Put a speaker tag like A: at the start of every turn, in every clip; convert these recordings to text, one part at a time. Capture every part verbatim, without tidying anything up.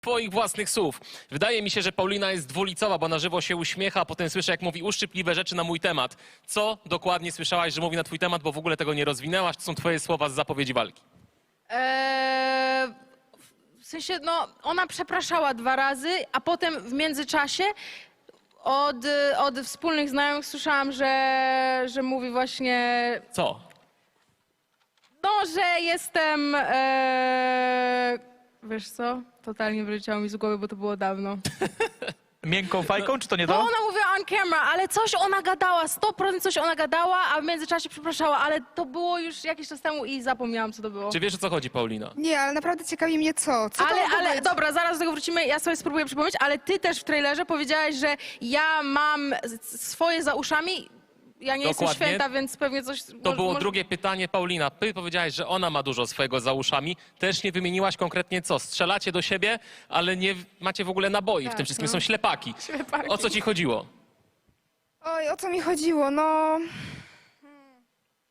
A: Twoich własnych słów. Wydaje mi się, że Paulina jest dwulicowa, bo na żywo się uśmiecha, a potem słyszę, jak mówi uszczypliwe rzeczy na mój temat. Co dokładnie słyszałaś, że mówi na twój temat, bo w ogóle tego nie rozwinęłaś? To są twoje słowa z zapowiedzi walki.
B: Eee, w sensie, no, ona przepraszała dwa razy, a potem w międzyczasie od, od wspólnych znajomych słyszałam, że, że mówi właśnie,
A: Co?
B: no, że jestem, eee, wiesz co, totalnie wyleciało mi z głowy, bo to było dawno.
C: Miękką fajką, czy to nie
B: Bo
C: to?
B: ona mówiła on camera, ale coś ona gadała, sto procent coś ona gadała, a w międzyczasie przepraszała, ale to było już jakiś czas temu i zapomniałam, co to było.
A: Czy wiesz, o co chodzi, Paulina?
D: Nie, ale naprawdę ciekawi mnie co. Co
B: Ale,
D: to mogło
B: ale
D: być?
B: dobra, zaraz do tego wrócimy, ja sobie spróbuję przypomnieć, ale ty też w trailerze powiedziałaś, że ja mam s- swoje za uszami. Ja nie jestem
A: Dokładnie.
B: święta, więc pewnie coś...
A: To było drugie pytanie, Paulina. Ty powiedziałaś, że ona ma dużo swojego za uszami. Też nie wymieniłaś konkretnie co. Strzelacie do siebie, ale nie macie w ogóle naboi. w
B: Tak,
A: tym wszystkim
B: no.
A: są ślepaki.
B: Ślepaki.
A: O co ci chodziło?
D: Oj, o co mi chodziło? No... Hmm.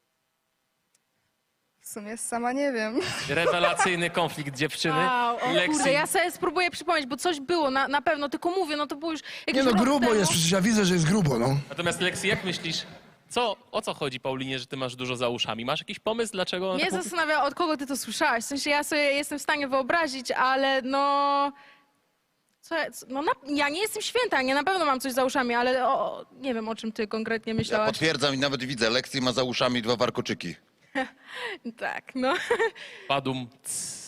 D: W sumie sama nie wiem.
A: Rewelacyjny konflikt dziewczyny.
B: Wow, o
A: Lexi.
B: kurde, ja sobie spróbuję przypomnieć, bo coś było, na, na pewno, tylko mówię, no to było już jakiś
E: Nie no,
B: rok
E: grubo
B: temu.
E: jest, przecież ja widzę, że jest grubo, no.
A: Natomiast Lexi, jak myślisz, co, o co chodzi Paulinie, że ty masz dużo za uszami? Masz jakiś pomysł, dlaczego ona
B: Mnie
A: tak mówi?
B: zastanawia, od kogo ty to słyszałaś. W sensie ja sobie jestem w stanie wyobrazić, ale no... Co, ja- co- no na, ja nie jestem święta, nie na pewno mam coś za uszami, ale o, nie wiem, o czym ty konkretnie
F: Ja
B: myślałaś.
F: potwierdzam i nawet widzę, Lexi ma za uszami dwa warkoczyki.
B: Tak, no.
A: Padum. Cs.